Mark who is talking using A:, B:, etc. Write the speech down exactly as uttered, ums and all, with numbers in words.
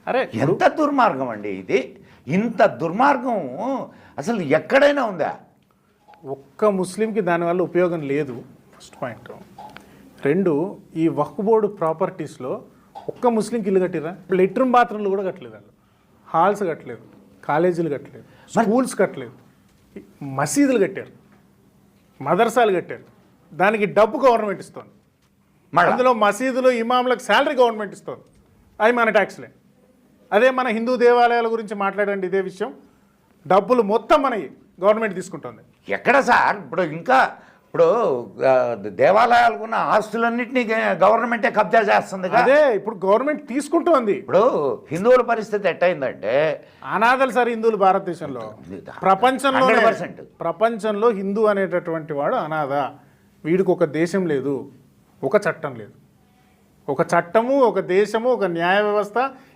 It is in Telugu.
A: అరే
B: ఎంత దుర్మార్గం అండి ఇది. ఇంత దుర్మార్గం అసలు ఎక్కడైనా ఉందా?
A: ఒక్క ముస్లింకి దానివల్ల ఉపయోగం లేదు, ఫస్ట్ పాయింట్. రెండు, ఈ వక్ఫ్ బోర్డు ప్రాపర్టీస్లో ఒక్క ముస్లింకి ఇల్లు కట్టిరా? లెట్రూమ్ బాత్రూమ్లు కూడా కట్టలేదు వాళ్ళు, హాల్స్ కట్టలేదు, కాలేజీలు కట్టలేదు, స్కూల్స్ కట్టలేదు, మసీదులు కట్టారు, మదర్సాలు కట్టారు. దానికి డబ్బు గవర్నమెంట్ ఇస్తుంది. అందులో మసీదులు ఇమాంలకు శాలరీ గవర్నమెంట్ ఇస్తుంది. అవి మన ట్యాక్స్లే. అదే మన హిందూ దేవాలయాల గురించి మాట్లాడండి, ఇదే విషయం, డబ్బులు మొత్తం మనకి గవర్నమెంట్ తీసుకుంటుంది.
B: ఎక్కడ సార్? ఇప్పుడు ఇంకా ఇప్పుడు దేవాలయాలకు ఉన్న ఆస్తులన్నింటినీ గవర్నమెంటే కబ్జా చేస్తుంది.
A: అదే ఇప్పుడు గవర్నమెంట్ తీసుకుంటోంది.
B: ఇప్పుడు హిందువుల పరిస్థితి ఎట్టయిందంటే,
A: అనాథలు సార్ హిందువులు భారతదేశంలో. ప్రపంచంలో ప్రపంచంలో హిందూ అనేటటువంటి వాడు అనాథ. వీడికి ఒక దేశం లేదు, ఒక చట్టం లేదు. ఒక చట్టము, ఒక దేశము, ఒక న్యాయ వ్యవస్థ